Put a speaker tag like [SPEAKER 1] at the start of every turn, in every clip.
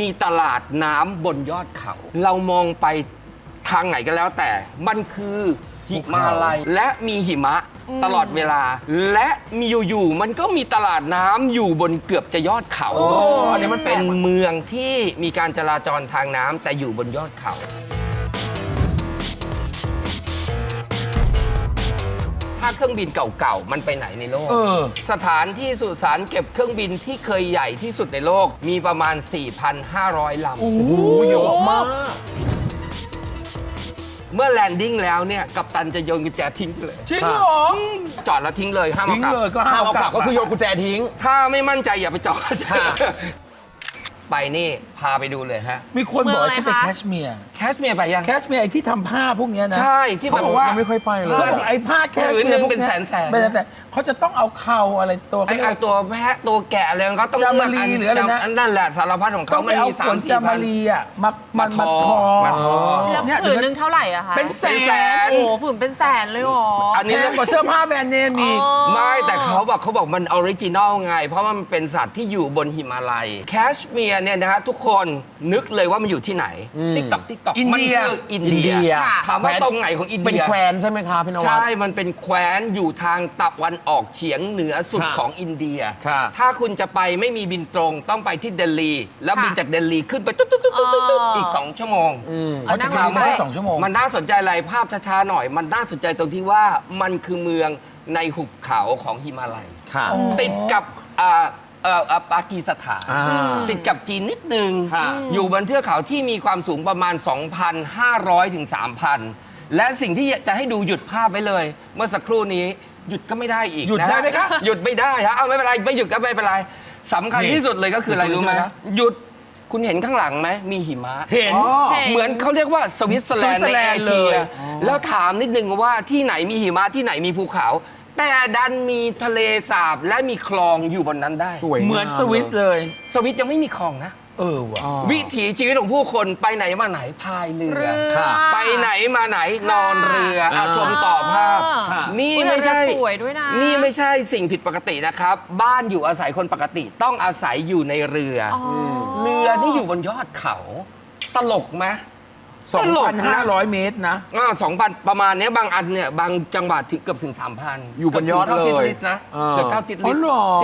[SPEAKER 1] มีตลาดน้ำบนยอดเขา เรามองไปทางไหนก็แล้วแต่มันคือหิมาลัยและมีหิมะตลอดเวลา และมีอยู่ๆมันก็มีตลาดน้ำอยู่บนเกือบจะยอดเขาอันนี้มันเป็นเมืองที่มีการจราจรทางน้ำแต่อยู่บนยอดเขาถ้าเครื่องบินเก่าๆมันไปไหนในโลกสถานที่สุสานเก็บเครื่องบินที่เคยใหญ่ที่สุดในโลกมีประมาณ 4,500 ลำโอ้โหเยอะมากเมื่อแลนดิ้งแล้วเนี่ยกัปตันจะโยนกุญแจทิ้งไปเลย
[SPEAKER 2] จริงเหรอ
[SPEAKER 1] จอดแล้วทิ้งเลยห้ามเอากลับ
[SPEAKER 2] ทิ้งเลยก็ห้ามเอากลับก็คือโยนกุญแจทิ้ง
[SPEAKER 1] ถ้าไม่มั่นใจอย่าไปจอดไปนี่พาไปดูเลยฮะ
[SPEAKER 2] มีคนบอกว่าฉันไปแคชเมียร์
[SPEAKER 1] ไปยัง
[SPEAKER 2] แคชเมียร์ไอ้ที่ทำผ้าพวกนี้นะ
[SPEAKER 1] ใช่ที่
[SPEAKER 2] บอกว่า
[SPEAKER 3] ไม่ค่อยไปเลย
[SPEAKER 2] ไอ้ผ้าแคชเมียร์พวกนี้
[SPEAKER 1] เป็นแสน
[SPEAKER 2] แต่เขาจะต้องเอาเข่าอะไรตัว
[SPEAKER 1] ไอ้ตัวแพะตัวแกะอะไรของเขาต้อง
[SPEAKER 2] จามารีหรืออะไรนะ
[SPEAKER 1] นั่นแหละสารพัดของเขา
[SPEAKER 2] ไม่มี3-4 จามารีอ่ะมาทอ
[SPEAKER 4] แล้วผืนนึงเท่าไหร่อะคะ
[SPEAKER 2] เป็นแสน
[SPEAKER 4] โอ้ผืนเป็นแสนเลยหรอ
[SPEAKER 2] อันนี้เรื่องกว่าเสื้อผ้าแบรนด์เนมอีก
[SPEAKER 1] ไม่แต่เขาบอกมันออริจินอลไงเพราะมันเป็นสัตว์ที่อยู่บนหิมาลัยแคชเมียร์เนี่ยนะฮะทุกคนนึกเลยว่ามันอยู่ที่ไหนติ๊กต็อกมันคืออินเดียถามว่าตรงไหนของอินเดีย
[SPEAKER 3] เป็นแคว้นใช่ไหมคะพี่นวัด
[SPEAKER 1] ใช่มันเป็นแคว้นอยู่ทางตะวันออกเฉียงเหนือสุดของอินเดียถ้าคุณจะไปไม่มีบินตรงต้องไปที่เดลีแล้วบินจากเดลีขึ้นไปตุ๊ดอีก2 ชั่วโมง
[SPEAKER 2] เขาจะบินมา2 ชั่วโมง
[SPEAKER 1] มันน่าสนใจอะไรภาพช้าๆหน่อยมันน่าสนใจตรงที่ว่ามันคือเมืองในหุบเขาของหิมาลัยติดกับปากีสถานติดกับจีนนิดนึงอยู่บนเทือกเขาที่มีความสูงประมาณ 2,500 ถึง 3,000 และสิ่งที่จะให้ดูหยุดภาพไว้เลย เมื่อสักครู่นี้หยุดก็ไม่ได้อีก
[SPEAKER 2] หยุดได้ไหมคะ
[SPEAKER 1] หยุดไม่ได้ฮะเอาไม่เป็นไรไม่หยุดก็ไม่เป็นไรสำคัญที่สุดเลยก็คืออะไรรู้ไหมหยุดคุณเห็นข้างหลังไหมมีหิมะ
[SPEAKER 2] เห็น
[SPEAKER 1] เหมือนเขาเรียกว่าสวิตเซอร์แลนด์ในเอเชียแล้วถามนิดนึงว่าที่ไหนมีหิมะที่ไหนมีภูเขาแต่ดันมีทะเลสาบและมีคลองอยู่บนนั้นได้
[SPEAKER 2] เหมือนสวิสเลย
[SPEAKER 1] สวิสยังไม่มีคลองนะ
[SPEAKER 2] ว่ะ
[SPEAKER 1] วิถีชีวิตของผู้คนไปไหนมาไหนพายเรือไปไหนมาไหนนอนเรือชมต่อภาพนี่ไม่ใช่นี่ไม่ใช่สิ่งผิดปกตินะครับบ้านอยู่อาศัยคนปกติต้องอาศัยอยู่ในเรือเรือนี่อยู่บนยอดเขาตลกไหม
[SPEAKER 2] 2,500 เมตรนะ
[SPEAKER 1] 2,000 ประมาณนี้บางอันเนี่ยบางจังหวัดถึงเกือบถึง 3,000
[SPEAKER 3] อยู่บนยอดเลย
[SPEAKER 1] นะเกือบเท่าติดลิส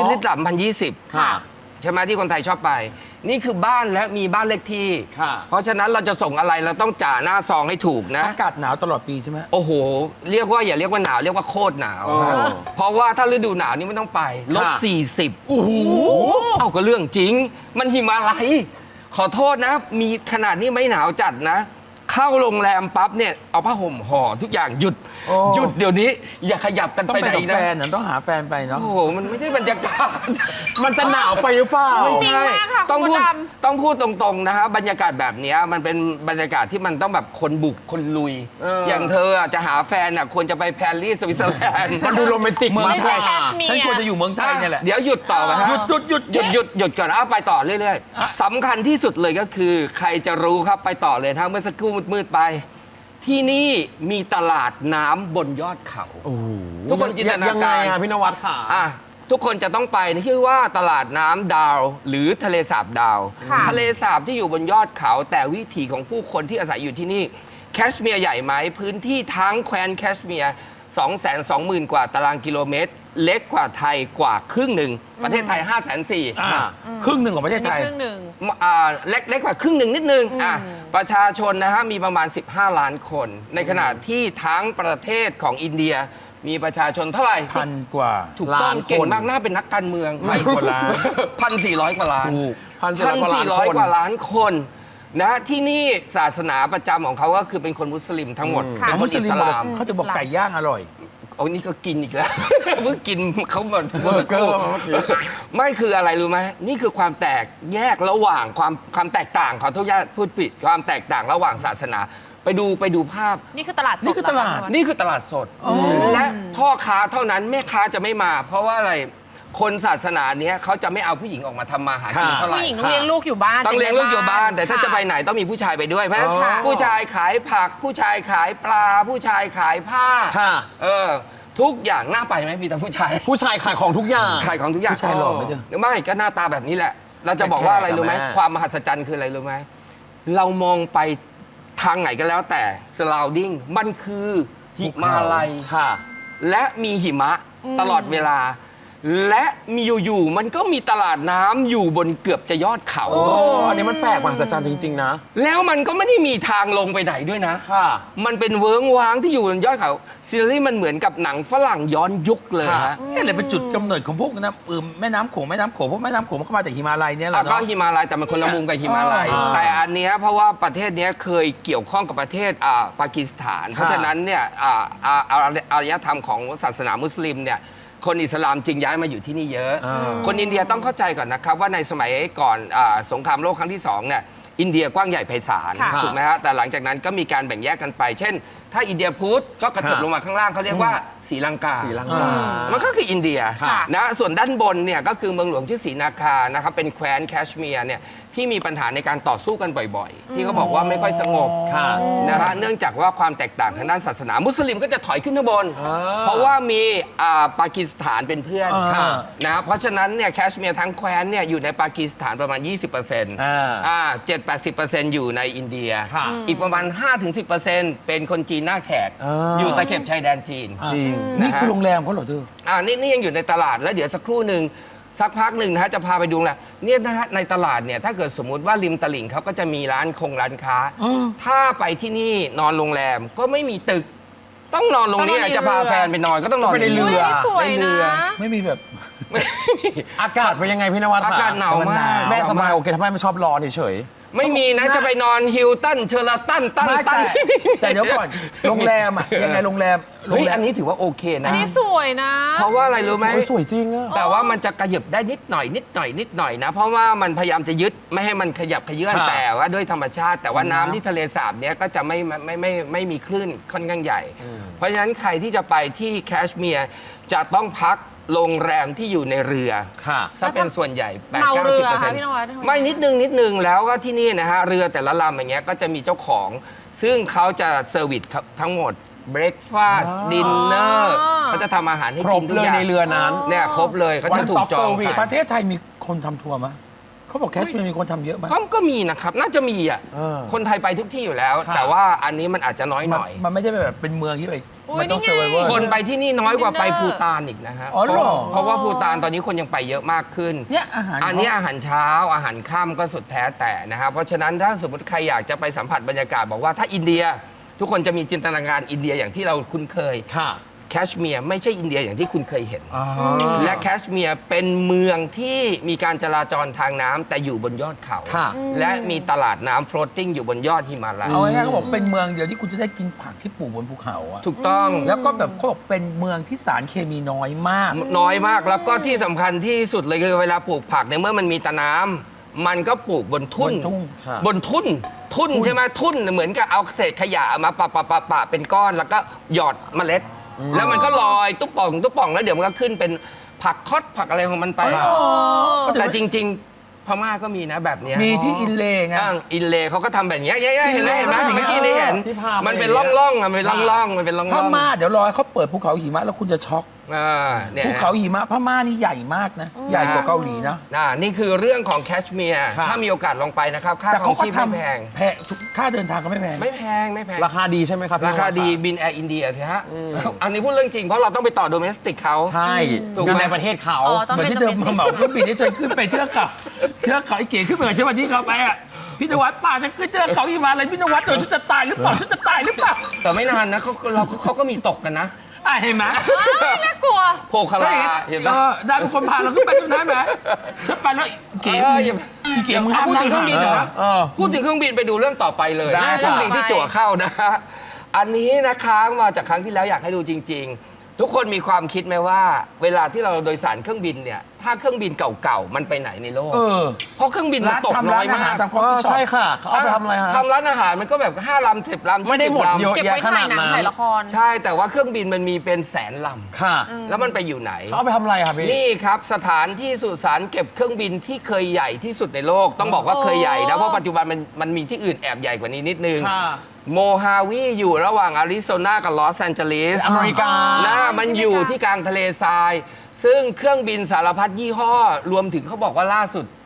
[SPEAKER 1] 3,020ใช่ไหมที่คนไทยชอบไปนี่คือบ้านและมีบ้านเลขที่เพราะฉะนั้นเราจะส่งอะไรเราต้องจ่าหน้าซองให้ถูกนะ
[SPEAKER 2] อากาศหนาวตลอดปีใช่ไหม
[SPEAKER 1] โอ้โหเรียกว่าอย่าเรียกว่าหนาวเรียกว่าโคตรหนาวเพราะว่าถ้าฤดูหนาวนี่ไม่ต้องไป-40โอ้โหเอาก็เรื่องจริงมันหิมาลัยขอโทษนะมีขนาดนี้ไม่หนาวจัดนะเข้าโรงแรมปั๊บเนี่ยเอาผ้าห่มห่อทุกอย่างหยุดเดี๋ยวนี้อย่าขยับกันไปไหนนะ
[SPEAKER 2] แฟนต้องหาแฟนไปเนาะ
[SPEAKER 1] โอ้โหมันไม่ใช่บรรยากาศ
[SPEAKER 3] มันจะหนาวไปหรือเปล่า
[SPEAKER 1] ไม่ใช่ต้องพูดตรงๆนะฮะบรรยากาศแบบนี้มันเป็นบรรยากาศที่มันต้องแบบคนบุกคนลุยอย่างเธอจะหาแฟนควรจะไปปารีสสวิตเซอร์แลนด์
[SPEAKER 3] มันดูโรแมนติก
[SPEAKER 2] เมืองไทย
[SPEAKER 4] ฉั
[SPEAKER 2] นควรจะอยู่เมืองไทยนี่แหละ
[SPEAKER 1] เดี๋ยวหยุดต่อไปฮะหยุดก่อนไปต่อเรื่อยๆสำคัญที่สุดเลยก็คือใครจะรู้ครับไปต่อเลยถ้าเมื่อสักครู่มืดๆไปที่นี่มีตลาดน้ำบนยอดเขาทุกคนจินตนาการ
[SPEAKER 3] พี่นวัดค่ะ
[SPEAKER 1] ทุกคนจะต้องไปชื่อว่าตลาดน้ำดาวหรือทะเลสาบดาวทะเลสาบที่อยู่บนยอดเขาแต่วิถีของผู้คนที่อาศัยอยู่ที่นี่แคชเมียร์ใหญ่ไหมพื้นที่ทั้งแคว้นแคชเมียร์220,000 กว่าตารางกิโลเมตรเล็กกว่าไทยกว่าครึ่งหนึ่งประเทศไทย540,000
[SPEAKER 2] ครึ่งหนึ่งของประเทศไทย
[SPEAKER 1] เล็กกว่าครึ่งหนึ่งนิดนึงประชาชนนะฮะมีประมาณ15 ล้านคนในขณะที่ทั้งประเทศของอินเดียมีประชาชนเท่าไหร่
[SPEAKER 2] 1,000 กว่า
[SPEAKER 1] ถูกต้องเก่งมากน่าเป็นนักการเมือง
[SPEAKER 2] 1,000 กว่าล้าน
[SPEAKER 1] 1,400 กว่าล้าน1,400 กว่าล้านคนนะที่นี่ศาสนาประจำของเขาก็คือเป็นคนมุสลิมทั้งหมดเป็นคนอิสลาม
[SPEAKER 2] เขาจะบอกไก่ย่างอร่อย
[SPEAKER 1] โอ้นี่ก็กินอีกแล้วเพิ่งกินเขาหมดไม่คืออะไรรู้ไหมนี่คือความแตกแยกระหว่างความแตกต่างขอโทษญาติพูดผิดความแตกต่างระหว่างศาสนาไปดูภาพ
[SPEAKER 4] นี่คือตลาดสด
[SPEAKER 1] นี่คือตลาดสดและพ่อค้าเท่านั้นแม่ค้าจะไม่มาเพราะว่าอะไรคนศาสนาเนี้ยเขาจะไม่เอาผู้หญิงออกมาทำมาหากินเท่าไหร่
[SPEAKER 4] ผู้หญิงต้องเลี้ยงลูกอยู่บ้าน
[SPEAKER 1] ต้องเลี้ยงลูกอยู่บ้านแต่ถ้าจะไปไหนต้องมีผู้ชายไปด้วยเพราะฉะนั้นผู้ชายขายผักผู้ชายขายปลาผู้ชายขายผ้าทุกอย่างน่าไปไหมมีแต่ผู้ชาย
[SPEAKER 3] ขายของทุกอย่าง
[SPEAKER 1] ขายของทุกอย่าง
[SPEAKER 2] ผู้ชายหล่อไหมจ๊ะ
[SPEAKER 1] ไม่ก็หน้าตาแบบนี้แหละเราจะบอกว่าอะไรรู้ไหม
[SPEAKER 3] แขกๆอะแม่
[SPEAKER 1] ความมหัศจรรย์คืออะไรรู้ไหมเรามองไปทางไหนก็แล้วแต่ surrounding มันคือหิมาลัย
[SPEAKER 3] ค่ะ
[SPEAKER 1] และมีหิมะตลอดเวลา และมีอยู่ๆมันก็มีตลาดน้ำอยู่บนเกือบจะยอดเขา
[SPEAKER 3] โอ้อันนี้มันแปลกมหัศจรรย์จริง ๆ นะ
[SPEAKER 1] แล้วมันก็ไม่ได้มีทางลงไปไหนด้วยนะ
[SPEAKER 3] ค่ะ
[SPEAKER 1] มันเป็นเวิ้งว้างที่อยู่บนยอดเขาซีรีส์มันเหมือนกับหนังฝรั่งย้อนยุคเลยฮะ
[SPEAKER 2] นี่แหละเป็นจุดกำเนิดของพวกน้ำแม่น้ำโขงพวกแม่น้ำโขงมันก็มาจากหิมาลัยเนี่ยแหละ
[SPEAKER 1] ก็
[SPEAKER 2] เนาะ
[SPEAKER 1] หิมาลัยแต่มันคนละมุมกับหิมาลัย
[SPEAKER 3] อ่า
[SPEAKER 1] แต่อันเนี้ยเพราะว่าประเทศเนี้ยเคยเกี่ยวข้องกับประเทศปากีสถาน เพราะฉะนั้นเนี่ยอารยธรรมของศาสนามุสลิมเนี่ยคนอิสลามจึงย้ายมาอยู่ที่นี่เยอะ คนอินเดียต้องเข้าใจก่อนนะครับว่าในสมัยก่อนสงครามโลกครั้งที่2เนี่ยอินเดียกว้างใหญ่ไพศาล
[SPEAKER 4] ค่ะ
[SPEAKER 1] ถูกไหมฮะแต่หลังจากนั้นก็มีการแบ่งแยกกันไป เช่น ถ้าอินเดียพุทธก็กระเถิบลงมาข้างล่างเขาเรียกว่าศรีลังกา
[SPEAKER 3] ศรีลังกา
[SPEAKER 1] มันก็คืออินเดีย
[SPEAKER 4] ค่ะ
[SPEAKER 1] นะส่วนด้านบนเนี่ยก็คือเมืองหลวงชื่อศรีนาคานะครับเป็นแคว้นแคชเมียร์เนี่ยที่มีปัญหาในการต่อสู้กันบ่อยๆ ที่เขาบอกว่าไม่ค่อยสงบ
[SPEAKER 3] ค่ะ
[SPEAKER 1] นะฮะเนื่องจากว่าความแตกต่างทางด้านศาสนามุสลิมก็จะถอยขึ้นข้างบน เพราะว่ามีปากีสถานเป็นเพื่อน
[SPEAKER 2] ค่ะ
[SPEAKER 1] นะเพราะฉะนั้นเนี่ยแคชเมียร์ทั้งแคว้นเนี่ยอยู่ในปากีสถานประมาณ 7-80% อยู่ในอินเดีย
[SPEAKER 3] ค่ะ
[SPEAKER 1] อีกประมาณ 5-10% เป็นคนจีนหน้าแขก อยู่ตะเข็บชายแดนจีน
[SPEAKER 3] จริง
[SPEAKER 2] นี่คือโรงแรมเขาเหรอเธอ
[SPEAKER 1] นี่ยังอยู่ในตลาดแล้วเดี๋ยวสักครู่หนึ่งสักพักหนึ่งนะฮะจะพาไปดูแหละเนี่ยนะฮะในตลาดเนี่ยถ้าเกิดสมมุติว่าริมตลิ่งเขาก็จะมีร้านค้า ถ้าไปที่นี่นอนโรงแรมก็ไม่มีตึก ต้องนอนโรงนี้
[SPEAKER 4] ต้องนอนใน
[SPEAKER 1] จะพา
[SPEAKER 4] เรือ
[SPEAKER 1] แฟนไปนอนก็ต้องนอน
[SPEAKER 3] ไปในเรือ
[SPEAKER 4] อุ๊ยสวย
[SPEAKER 1] ใน
[SPEAKER 4] นะ
[SPEAKER 1] เรือ
[SPEAKER 2] ไม่มีแบบ
[SPEAKER 3] อากาศเป็นยังไงพี่นวัด
[SPEAKER 1] อากาศหนาวมาก
[SPEAKER 3] แม่สบายโอเคทำไมไม่ชอบร้อนเฉย
[SPEAKER 1] ไม่มีนะจะไปนอนฮิลตันเชอร์ตันตั้น
[SPEAKER 2] ไม่
[SPEAKER 1] ตั้น
[SPEAKER 2] แต่เดี๋ยวก่อนโรงแรมอะยังไงโรงแรม
[SPEAKER 1] เฮ้ยอันนี้ถือว่าโอเค
[SPEAKER 4] อั
[SPEAKER 1] นะ
[SPEAKER 4] นนี้สวยนะ
[SPEAKER 1] เพราะว่าอะไรรู้ไหม
[SPEAKER 3] โอ้ยสวยจริงอะ
[SPEAKER 1] แต่ว่ามันจะกระหยับได้นิดหน่อยนะ เพราะว่ามันพยายามจะยึดไม่ให้มันขยับขยื่น
[SPEAKER 3] ค่ะ
[SPEAKER 1] แต่ว่าด้วยธรรมชาติ แต่ว่าน้ำที่ทะเลสาบเนี้ยก็จะไม่มีคลื่นค่อนข้างใหญ่ เพราะฉะนั้นใครที่จะไปที่แคชเมียร์จะต้องพักโรงแรมที่อยู่ในเรือ
[SPEAKER 3] ค่ะ
[SPEAKER 1] ซะเป็นส่วนใหญ่
[SPEAKER 4] เมาเรือ
[SPEAKER 1] 8-90%
[SPEAKER 4] ค่ะพี่นวัดทำไม
[SPEAKER 1] ไม่นิดนึงแล้วก็ที่นี่นะฮะเรือแต่ละลำอย่างเงี้ยก็จะมีเจ้าของ ซึ่งเขาจะเซอร์วิสทั้งหมดเบรกฟาสต์
[SPEAKER 3] อ๋อ
[SPEAKER 1] ดินเนอร์เขาจะทำอาหารให้
[SPEAKER 3] คร
[SPEAKER 1] กิ
[SPEAKER 3] บ
[SPEAKER 1] นทุก
[SPEAKER 3] เลย
[SPEAKER 1] อย่าง
[SPEAKER 3] ในเรือนั้น
[SPEAKER 1] เนี่ยครบเลยเขาจะ
[SPEAKER 3] One
[SPEAKER 1] ถูก
[SPEAKER 3] stop
[SPEAKER 1] จอง
[SPEAKER 3] service
[SPEAKER 1] ผ่าน
[SPEAKER 2] ประเทศไทยมีคนทำทัวร์มั้ยเขาบอกแคชเมียร์มีคนทำเยอะมั้ย
[SPEAKER 1] ก็มีนะครับ น่าจะมีอ่ะ
[SPEAKER 3] เออ
[SPEAKER 1] คนไทยไปทุกที่อยู่แล้ว
[SPEAKER 3] ค่ะ
[SPEAKER 1] แต่ว่าอันนี้มันอาจจะน้อยหน่อย
[SPEAKER 2] มันไม่ได้แบบเป็นเมืองที่แบบ
[SPEAKER 4] อุ๊ย
[SPEAKER 2] มันต้อง
[SPEAKER 4] นี่
[SPEAKER 2] เซอร์
[SPEAKER 4] ไง
[SPEAKER 2] ไวเวอร์
[SPEAKER 1] คนไปที่นี่น้อยกว่าไปภูตานอีกนะฮะ
[SPEAKER 2] อ๋อเหรอ
[SPEAKER 1] เพราะว่าภูตานตอนนี้คนยังไปเยอะมากขึ้น
[SPEAKER 2] เนี่ยอาหาร
[SPEAKER 1] อันนี้อาหารเช้าอาหารค่ำก็สุดแท้แต่นะครับเพราะฉะนั้นถ้าสมมติใครอยากจะไปสัมผัสบรรยากาศบอกว่าถ้าอินเดีย ทุกคนจะมีจินตนาการอินเดียอย่างที่เราคุ้นเคย
[SPEAKER 3] ค่ะ
[SPEAKER 1] แคชเมียร์ไม่ใช่อินเดียอย่างที่คุณเคยเห็น
[SPEAKER 3] อ๋อ
[SPEAKER 1] และแคชเมียร์เป็นเมืองที่มีการจราจรทางน้ำแต่อยู่บนยอดเขา
[SPEAKER 3] ค่ะ
[SPEAKER 1] และมีตลาดน้ำ floating อยู่บนยอดหิมาลัย
[SPEAKER 2] เอาง่ายๆเขาบอกเป็นเมืองเดียวที่คุณจะได้กินผักที่ปลูกบนภูเขาอะ
[SPEAKER 1] ถูกต้อง
[SPEAKER 2] แล้วก็แบบเขาบอกเป็นเมืองที่สารเคมีน้อยมาก
[SPEAKER 1] น้อยมากแล้วก็ที่สำคัญที่สุดเลยคือเวลาปลูกผักในเมื่อมันมีตะน้ำมันก็ปลูกบนทุ่น
[SPEAKER 2] บนทุ่ง
[SPEAKER 3] ครับ
[SPEAKER 1] บนทุ่นใช่ไหมทุ่นเหมือนกับเอาเศษขยะเอามาปะเป็นก้อนแล้วก็หยอดเมล็ด แล้วมันก็ลอยตุ๊บป่องแล้วเดี๋ยวมันก็ขึ้นเป็นผักคอดผักอะไรของมันไป แต่จริง ๆ พม่าก็มีนะแบบเนี้ย
[SPEAKER 2] มีที่อินเลย์ไง
[SPEAKER 1] อินเลเขาก็ทำแบบเนี้ยเห็นไหมเมื่อกี้นี่เห็น
[SPEAKER 3] ที่พาไป
[SPEAKER 1] มันเป็นร่องๆมันเป็นร่องๆมันเป็นร่อง
[SPEAKER 2] พ
[SPEAKER 1] ๆ
[SPEAKER 2] ม่าเดี๋ยวรอให้เขาเปิดภูเขาหิมะแล้วคุณจะช็อก
[SPEAKER 1] เนี่ย
[SPEAKER 2] ภูเขาหิมะพม่านี่ใหญ่มากนะ ใหญ่กว่าเกาหลีนะ
[SPEAKER 1] นี่คือเรื่องของแคชเมียร์
[SPEAKER 3] ครับ
[SPEAKER 1] ถ้ามีโอกาสลองไปนะครับ ค่า
[SPEAKER 2] แต่
[SPEAKER 1] ขอ
[SPEAKER 2] เขา
[SPEAKER 1] ง
[SPEAKER 2] ก็
[SPEAKER 1] ชีพ
[SPEAKER 2] ท
[SPEAKER 1] ไม่แพง
[SPEAKER 2] ำแพงค่าเดินทางก็ไม่แพง
[SPEAKER 1] ไม่แพง
[SPEAKER 3] ราคาดีใช่ไหมครับพี่
[SPEAKER 1] ราคาดี
[SPEAKER 3] นวั
[SPEAKER 1] บินแอร์อินเดียเถอะฮะ อันนี้พูดเรื่องจริง เพราะเราต้องไปต่อโดเมสติกเขา
[SPEAKER 3] ใช่
[SPEAKER 1] ถูกไหม
[SPEAKER 3] อยู่ในประเทศเขา
[SPEAKER 4] อ๋อต้อง
[SPEAKER 2] เหมือน
[SPEAKER 4] เป็น
[SPEAKER 2] ที่เธอ
[SPEAKER 4] domestic
[SPEAKER 2] มาเหมาเครื่องบินที่ฉันขึ้นไปเทือกเขาไอ้เก๋ขึ้นไปกับฉันวันที่เขาไปอ่ะพี่นวัดป่าฉันขึ้นเทือกเขาหิมาลัยพี่นวัดเดี๋ยวฉันจะตายหรือเปล่าฉันจะตายหรือเปล่า
[SPEAKER 1] แต่ไม่นานนะเขาก็มีตกกันนะ
[SPEAKER 2] เห็นไหม
[SPEAKER 4] น่ากลัว
[SPEAKER 1] โพคาราเห็นปะ
[SPEAKER 2] ได้เป็นคนพาเราขึ้นไปตรงนั้นไหมฉันไปแล้วเก๋
[SPEAKER 1] อย่า
[SPEAKER 2] อีเก๋มึงห้าม
[SPEAKER 1] พูด
[SPEAKER 2] นั่
[SPEAKER 1] ถึ
[SPEAKER 2] ง
[SPEAKER 1] งเครื่องบินเหรอ
[SPEAKER 3] เออ
[SPEAKER 1] พูดถึงเครื่องบินไปดูเรื่องต่อไปเลย
[SPEAKER 3] ได้
[SPEAKER 1] เครื่องบินที่จั่วเข้านะอันนี้นะค้างมาจากครั้งที่แล้วอยากให้ดูจริง ๆ ทุกคนมีความคิดไหมว่า เวลาที่เราโดยสารเครื่องบินเนี่ยถ้าเครื่องบินเก่าๆมันไปไหนในโลก เพราะเครื่องบินมันตกน้อยมาก
[SPEAKER 2] ทำคอฟ
[SPEAKER 3] ก็
[SPEAKER 2] ฟี่ช็อ
[SPEAKER 3] ใช่
[SPEAKER 2] ป
[SPEAKER 3] ค่ะเขาเอาไปทำอะไรฮะ
[SPEAKER 1] ทำร้านอาหารมันก็แบบ5 ลำ 10 ลำ
[SPEAKER 3] ไม่ได้หมด
[SPEAKER 1] 20 ลำ
[SPEAKER 3] เยอะ
[SPEAKER 4] เก็บไว้ถ่ายหนังถ่ายละคร
[SPEAKER 1] ใช่แต่ว่าเครื่องบินมันมีเป็นแสนล
[SPEAKER 3] ค่ะ
[SPEAKER 1] ำแล้วมันไปอยู่ไหน
[SPEAKER 3] เขาเอาไปทำอะไรครับพี่
[SPEAKER 1] นี่ครับสถานที่สุสานเก็บเครื่องบินที่เคยใหญ่ที่สุดในโลก ต้องบอกว่าเคยใหญ่นะเพราะปัจจุบันมันมีที่อื่นแอบใหญ่กว่านี้นิดนึง
[SPEAKER 3] ค่ะ
[SPEAKER 1] โมฮาวีอยู่ระหว่างอาริโซนากับลอสแอนเจลิส
[SPEAKER 3] อเมริกา
[SPEAKER 1] มันอยู่ที่กลางทะเลทราย ซึ่งเครื่องบินสารพัดยี่ห้อ รวมถึงเขาบอกว่าล่าสุด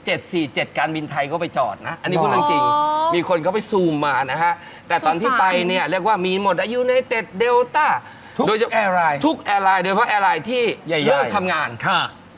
[SPEAKER 1] 747 การบินไทยก็ไปจอดนะ อันนี้พูดเรื่องจริง มีคนเขาไปซูมมานะฮะ แต่ตอนที่ไปเนี่ยเรียกว่ามีหมดยูไนเต็ดเดลต้า
[SPEAKER 2] ทุกแอร์ไลน์
[SPEAKER 1] ทุกแอร์ไลน์โดยเฉพาะแอร์ไลน์ที่
[SPEAKER 3] ใหญ่ๆ
[SPEAKER 1] เลิกทำงาน
[SPEAKER 3] ค่ะ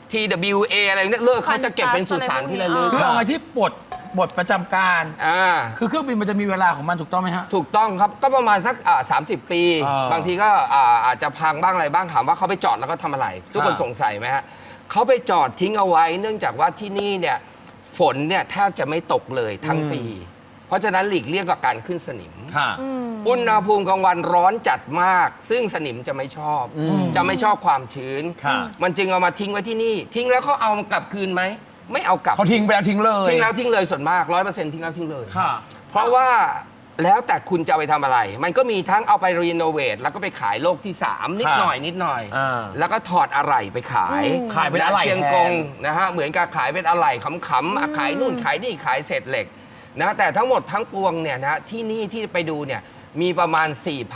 [SPEAKER 1] TWA อะไรเนี่ยเลิกเขาจะเก็บเป็นสุสานที่ระลึก
[SPEAKER 2] คือเอาไงที่บทประจำการ คือเครื่องบินมันจะมีเวลาของมันถูกต้องไหมฮะ
[SPEAKER 1] ถูกต้องครับ ก็ประมาณสัก30 ปี บางทีก็อาจจะพังบ้างอะไรบ้างถามว่าเขาไปจอดแล้วก็ทำอะไร ทุกคนสงสัยไหมฮะเขาไปจอดทิ้งเอาไว้ เนื่องจากว่าที่นี่เนี่ยฝนเนี่ยแทบจะไม่ตกเลยทั้งปี เพราะฉะนั้นหลีกเลี่ยงกับการขึ้นสนิม
[SPEAKER 3] ค่ะ
[SPEAKER 1] อุณหภูมิกลางวันร้อนจัดมาก ซึ่งสนิมจะไม่ชอบ จะไม่ชอบความชื้น
[SPEAKER 3] ค่ะ
[SPEAKER 1] มันจึงเอามาทิ้งไว้ที่นี่ ทิ้งแล้วเขาเอากลับคืนไหมไม่เอากลับ
[SPEAKER 3] เขาทิ้งไปแล้วทิ้งเลย
[SPEAKER 1] ทิ้งแล้วทิ้งเลยส่วนมาก 100%ทิ้งแล้วทิ้งเลย
[SPEAKER 3] ค่ะ
[SPEAKER 1] เพราะว่าแล้วแต่คุณจะเอาไปทำอะไร มันก็มีทั้งเอาไปรีโนเวทแล้วก็ไปขายโลกที่ 3 นิดหน่อยนิดหน่อย
[SPEAKER 3] อ่า
[SPEAKER 1] แล้วก็ถอดอะไหล่ไปขาย
[SPEAKER 3] ขายเป็นอะไหล่
[SPEAKER 1] เชียงกง
[SPEAKER 3] แทน
[SPEAKER 1] นะฮะเหมือนกับขายเป็นอะไหล่ขำๆขายนู่นขายนี่ขายเศษเหล็กนะแต่ทั้งหมดทั้งปวงเนี่ยนะที่นี่ที่ไปดูเนี่ยมีประมาณ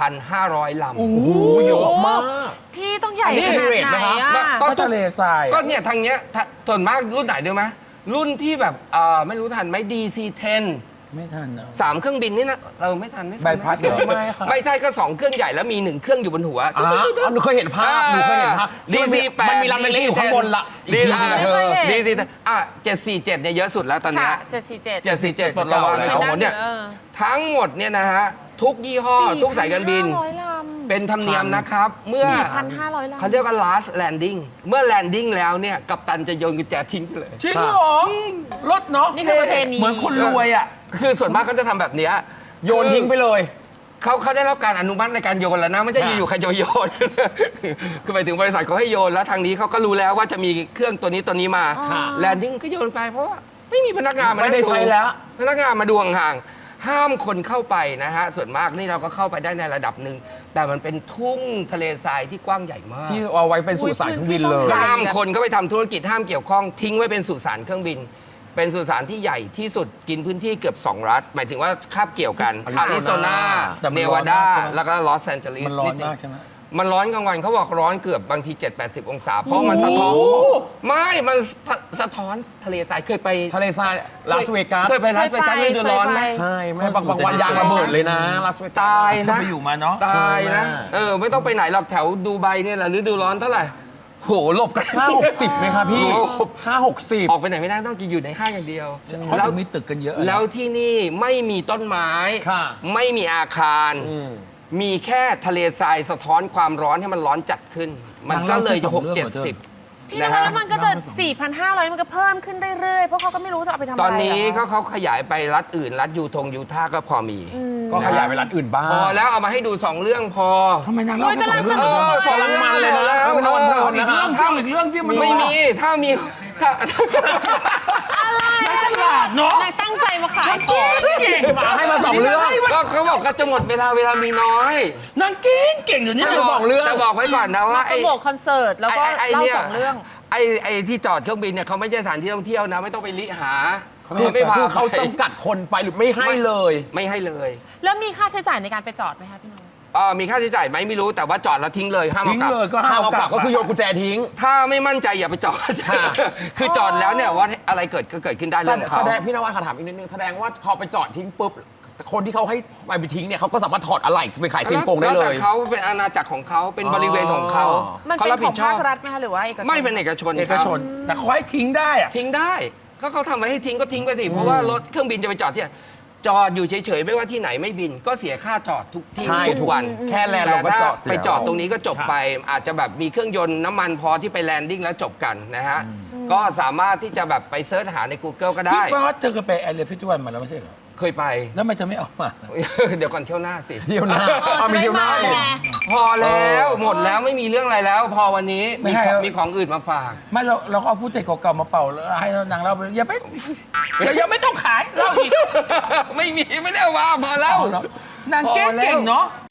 [SPEAKER 1] 4,500 ลำ
[SPEAKER 3] โอ้โหเยอะมาก
[SPEAKER 4] พี่ต้องใหญ่
[SPEAKER 1] นี่
[SPEAKER 4] ขนาดไหนอะ
[SPEAKER 1] ก็
[SPEAKER 2] ก็ทะเลทราย
[SPEAKER 1] ก็เนี่ยทางเนี้ยส่วนมากรุ่นไหนด้วยไหมรุ่นที่แบบไม่รู้ทันไหม DC-10
[SPEAKER 2] ไม่ทันนะ
[SPEAKER 1] 3 เครื่องบินนี่นะเราไม่ทัน
[SPEAKER 2] ใบพัดเหรอ
[SPEAKER 3] ไม่ค่ะ
[SPEAKER 1] ไม่ใช่ก็ 2 เครื่องใหญ่แล้วมี 1 เครื่องอยู่บนหัว
[SPEAKER 3] หนูเคยเห็นภาพหนูเคยเห็นภาพ
[SPEAKER 1] DC-8
[SPEAKER 3] มันมีลำเล็กๆอยู่ข้างบนละอีกทีนึงอะเธอ
[SPEAKER 1] DC-10 747เนี่ยเยอะสุดแล้วตอนเนี้
[SPEAKER 4] ค่ะ
[SPEAKER 1] ย
[SPEAKER 4] 747
[SPEAKER 1] 747ปลดระวางในของหมดเนี่ยทั้งหมดเนี่ยนะฮะทุกยี่ห้อทุกสายการบิน
[SPEAKER 4] 4,500 ลำ
[SPEAKER 1] เป็นธรรมเนียมนะครับ เมื่อ
[SPEAKER 4] 4,500 ลำ
[SPEAKER 1] เขาเรียกว่า last landing เมื่อ landing แล้วเนี่ยกัปตันจะโยนกุญแจทิ้งไปเลย
[SPEAKER 2] จริงเหรอรถเนาะ
[SPEAKER 4] นี่คือประเพณี
[SPEAKER 2] เหมือนคนรวยอ่ะ
[SPEAKER 1] คือส่วนมากเขาจะทำแบบเนี้ย
[SPEAKER 3] โยนทิ้งไปเลย
[SPEAKER 1] เขาได้รับการอนุมัติในการโยนแล้วนะไม่ใช่อยู่ๆใครจะไปโยน คือไปถึงบริษัทเขาให้โยนแล้วทางนี้เขาก็รู้แล้วว่าจะมีเครื่องตัวนี้มา
[SPEAKER 3] ค่ะ
[SPEAKER 1] แลนดิ้งก็โยนไปเพราะว่าไม่มีพนักงานมา
[SPEAKER 3] ไม่ได้
[SPEAKER 1] นั่ง
[SPEAKER 3] ใช้แล้ว
[SPEAKER 1] พนักงานมาดูห่างๆห้ามคนเข้าไปนะฮะส่วนมากนี่เราก็เข้าไปได้ในระดับหนึ่งแต่มันเป็นทุ่งทะเลทรายที่กว้างใหญ่มาก
[SPEAKER 3] ที่เอาไว้เป็นสุสานเครื่องบินเลย
[SPEAKER 1] ห้ามคนเข้าไปทำธุรกิจห้ามเกี่ยวข้องทิ้งไว้เป็นสุสานเครื่องบิน เป็นสุสานที่ใหญ่ที่สุดกินพื้นที่เกือบ 2 รัฐ หมายถึงว่าคาบเกี่ยวกัน
[SPEAKER 3] อา
[SPEAKER 1] อา
[SPEAKER 3] ริ
[SPEAKER 1] ริ
[SPEAKER 3] โซ
[SPEAKER 1] โซ
[SPEAKER 3] นา
[SPEAKER 1] นา
[SPEAKER 2] แต่มัน
[SPEAKER 1] เน
[SPEAKER 2] ร้
[SPEAKER 1] วา
[SPEAKER 2] อน
[SPEAKER 1] ดา
[SPEAKER 2] มากใช่ไหม
[SPEAKER 1] แล้วก็ลอสแอนเจลิส
[SPEAKER 2] มันร้อนมากใช่ไหม
[SPEAKER 1] มันร้อนกลางวันเขาบอกร้อนเกือบบางที 7-80 องศา เพราะมันสะท้อนไม่มันสะท้อนทะเลทรายเคยไป
[SPEAKER 3] ทะเลทรายลาสเวกัส
[SPEAKER 1] เคยไปลาสเวกัสไม่ดูร้อนไหม
[SPEAKER 3] ใช่แม่บางวันยางระเบิดเลยนะลาสเวกัส
[SPEAKER 1] ตาย
[SPEAKER 2] ถ้า
[SPEAKER 1] นะ
[SPEAKER 2] ไปอยู่มาเนาะ
[SPEAKER 1] ตายนะ
[SPEAKER 3] ใช่ไหม
[SPEAKER 1] ไม่ต้องไปไหนหรอกแถวดูไบเนี่ยแหละฤดูร้อนเท่าไหร่โหหลบกัน
[SPEAKER 3] 5-60ไหมครับพี่
[SPEAKER 1] โอ้
[SPEAKER 3] 5-60
[SPEAKER 1] ออกไปไหนไม่ได้ต้องกินอยู่ในห้างอย่างเดียว
[SPEAKER 2] เขา
[SPEAKER 1] แล้ว
[SPEAKER 2] ถึงมีตึกกันเยอะนะ
[SPEAKER 1] แล้วที่นี่ไม่มีต้นไม้
[SPEAKER 3] ค่ะ
[SPEAKER 1] ไม่มีอาคาร มีแค่ทะเลทรายสะท้อนความร้อนให้มันร้อนจัดขึ้น มันก็เลยจะ6-70
[SPEAKER 4] พี่
[SPEAKER 1] นะ
[SPEAKER 4] นวั
[SPEAKER 1] ฮะ
[SPEAKER 4] ดแล้วมันก็จะ 4,500 มันก็เพิ่มขึ้นเรื่อยๆ เพราะเขาก็ไม่รู้จะเอาไปทำอะไร
[SPEAKER 1] ตอนนี้
[SPEAKER 4] ะ
[SPEAKER 1] เขาขยายไปรัฐอื่น รัฐยูทาห์ก็พอมี
[SPEAKER 3] ก็ขยายไปร้านอื่นบ้าง
[SPEAKER 1] พอแล้วเอามาให้ดู 2 เรื่องพอ
[SPEAKER 2] ทำไมนางเล่าแค่สอง
[SPEAKER 1] เอ
[SPEAKER 2] เรื่อง
[SPEAKER 1] อสองเรื่อง
[SPEAKER 3] มันเลยนะ
[SPEAKER 1] แล้ว
[SPEAKER 3] ไม่นอนเพลิน
[SPEAKER 2] อี
[SPEAKER 3] นะ
[SPEAKER 2] กเรื่องเที่ยวอีกเรื่องที่มัน
[SPEAKER 1] ไม่มีถ้ามีถ้า
[SPEAKER 2] นางฉลาดเนาะ
[SPEAKER 4] นายตั้งใจมาขาย
[SPEAKER 2] เก่งว่ะ
[SPEAKER 3] ให้มา2 เรื่อง
[SPEAKER 1] ก็เขาบอกก็จะหมดเวลามีน้อย
[SPEAKER 2] นางเก่งอยู่นี่
[SPEAKER 3] ให้
[SPEAKER 2] นะ
[SPEAKER 3] มา 2 เรื่อง
[SPEAKER 1] แต่บอกไว้ก่อนนะว่า
[SPEAKER 4] โปรโมทคอนเสิร์ตแล้วก็
[SPEAKER 1] ไอ้
[SPEAKER 4] เล่า
[SPEAKER 1] เนี่ย
[SPEAKER 4] 2 เรื่อง
[SPEAKER 1] ไอ้ที่จอดเครื่องบินเนี่ยเขาไม่ใช่สถานที่ท่องเที่ยวนะ ไม่ต้องไปลิหา
[SPEAKER 3] คือ
[SPEAKER 1] ไม่พา
[SPEAKER 3] คือเขา
[SPEAKER 1] ไป
[SPEAKER 3] จำกัดคนไปหรือไม่ให้เลย
[SPEAKER 1] ไม่ให้เลย
[SPEAKER 4] แล้วมีค่าใช้จ่ายในการไปจอดไหมคะพี่นวัด
[SPEAKER 1] มีค่าใช้จ่ายไหมไม่รู้แต่ว่าจอดแล้วทิ้งเลยห้าม
[SPEAKER 2] ทิ้
[SPEAKER 1] เอา
[SPEAKER 2] ง
[SPEAKER 1] กลับ
[SPEAKER 2] เลยก็ห้า
[SPEAKER 3] ห้าม
[SPEAKER 2] ม
[SPEAKER 3] เอา
[SPEAKER 2] ก
[SPEAKER 3] ก
[SPEAKER 2] ลั
[SPEAKER 3] ลั
[SPEAKER 2] บบ
[SPEAKER 3] ก็คือโยนกุญแจทิ้ง
[SPEAKER 1] ถ้าไม่มั่นใจอย่าไปจอด
[SPEAKER 3] ค่ะ
[SPEAKER 1] คือจอดแล้วเนี่ยว่าอะไรเกิดก็เกิดขึ้นได้เรื่องของ
[SPEAKER 3] แส
[SPEAKER 1] เขา
[SPEAKER 3] ดงพี่นวัดขอถามอีกนิดนึงแสดงว่าพอไปจอดทิ้งปุ๊บคนที่เขาให้ไปทิ้งเนี่ยเขาก็สามารถถอดอะไหล่ไปขายเซียงกงได้เล
[SPEAKER 1] แวแต่
[SPEAKER 3] ย
[SPEAKER 1] เขาเป็นอาณาจักรของเขาเป็นบริเวณของเขา
[SPEAKER 4] มัน
[SPEAKER 1] เขา
[SPEAKER 4] เป็น
[SPEAKER 1] รับ
[SPEAKER 4] ข
[SPEAKER 1] ผิ
[SPEAKER 4] อง
[SPEAKER 1] ดชอ
[SPEAKER 4] ภา
[SPEAKER 1] บ
[SPEAKER 4] ครัฐไหมคะหรือว่าเอกชน
[SPEAKER 1] ไม่เป็นเอกชน
[SPEAKER 2] เอกชน แต่เขาให้ทิ้งได้อะ
[SPEAKER 1] ทิ้งได้ก็เขาทำไว้ให้ทิ้งก็ทิ้งไปสิเพราะว่ารถเครื่องบินจะไปจอดที่ไหนจอดอยู่เฉยๆไม่ว่าที่ไหนไม่บิน ก็เสียค่าจอดทุกที่
[SPEAKER 3] ใช่
[SPEAKER 1] ทุกวัน
[SPEAKER 3] แค่แลนด์เราก็จอดเสีย
[SPEAKER 1] ไปจอดตรงนี้ก็จบไป อาจจะแบบมีเครื่องยนต์น้ำมันพอที่ไปแลนดิ้งแล้วจบกันนะฮะก็สามารถที่จะแบบไปเซิร์ชหาใน Google ก็
[SPEAKER 2] พี่
[SPEAKER 1] ได้
[SPEAKER 2] ว่าเธอเคยไปแอร์เรียฟิตวันมาแล้วไม่ใช่เหรอ
[SPEAKER 1] เคยไป
[SPEAKER 2] แล้วมันจะไม่เอามา
[SPEAKER 1] เดี๋ยวก่อนเที่ยวหน้าสิ
[SPEAKER 3] เที่ยวหน้าเอามีเที่ยวหน้า
[SPEAKER 4] จะได้
[SPEAKER 3] อีก
[SPEAKER 4] ไง
[SPEAKER 1] พอแล้วหมดแล้วไม่มีเรื่องอะไรแล้ว พอวันนี้
[SPEAKER 2] ไม่
[SPEAKER 1] มี
[SPEAKER 2] ให้
[SPEAKER 1] ของ
[SPEAKER 2] แล้ว
[SPEAKER 1] มีของอื่นมาฝาก
[SPEAKER 2] ไม่เราก็เอาฟุตเทจเก่าๆมาเป่าแล้วให้นางเล่าไปอย่าไปอย่าไม่ต้องขายเล่าอีก
[SPEAKER 1] ไม่มีไม่ได้เอามาพอแล้ว
[SPEAKER 2] เอาเนอะนางเก่งเนาะ